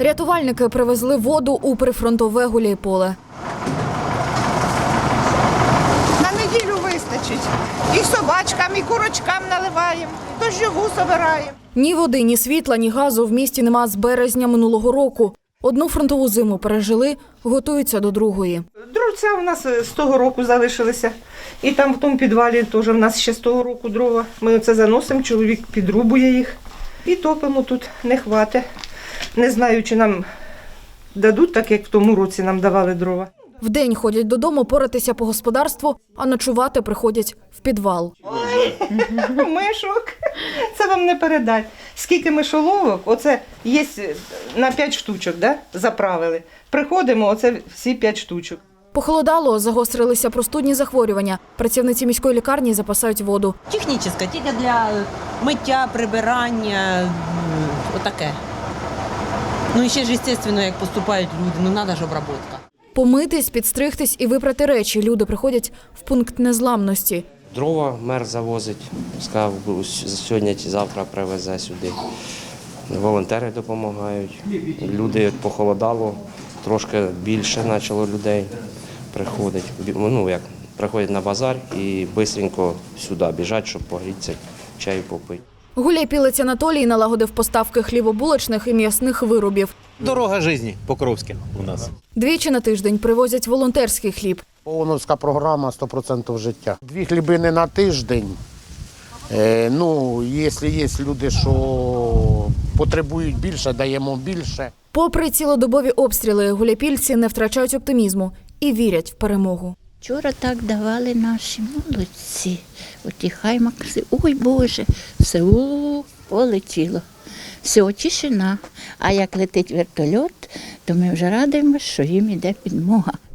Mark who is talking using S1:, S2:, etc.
S1: Рятувальники привезли воду у прифронтове Гуляйполе.
S2: На неділю вистачить. І собачкам, і курочкам наливаємо, дощову збираємо.
S1: Ні води, ні світла, ні газу в місті нема з березня минулого року. Одну фронтову зиму пережили, готуються до другої.
S2: Дровця у нас з того року залишилися. І там в тому підвалі теж в нас ще з того року дрова. Ми оце заносимо, чоловік підрубує їх. І топимо тут, не хватить. Не знаю, чи нам дадуть, так як в тому році нам давали дрова.
S1: Вдень ходять додому поратися по господарству, а ночувати приходять в підвал.
S2: Мишок, це вам не передать. Скільки мишоловок, оце є на 5 штучок, да? Заправили. Приходимо, оце всі 5 штучок.
S1: Похолодало, загострилися простудні захворювання. Працівниці міської лікарні запасають воду.
S3: Технічна, тільки для миття, прибирання, отаке. Ну і ще ж, звісно, як поступають люди, ну треба ж обробка.
S1: Помитись, підстригтись і випрати речі. Люди приходять в пункт незламності.
S4: Дрова мер завозить, сказав, сьогодні чи завтра привезе сюди. Волонтери допомагають. Люди похолодало, трошки більше почало людей приходить. Ну, як, приходять на базар і швидко сюди біжать, щоб погрітися, чай попити.
S1: Гуляйпілець Анатолій налагодив поставки хлібобулочних і м'ясних виробів.
S5: Дорога житті Покровське у нас.
S1: Двічі на тиждень привозять волонтерський хліб.
S6: ООНовська програма 100% життя. 2 хлібини на тиждень. Ну, якщо є люди, що потребують більше, даємо більше.
S1: Попри цілодобові обстріли, гуляйпільці не втрачають оптимізму і вірять в перемогу.
S7: Вчора так давали наші молодці. Оті хаймакси, ой Боже, все полетіло. Все, тишина. А як летить вертольот, то ми вже радуємося, що їм іде підмога.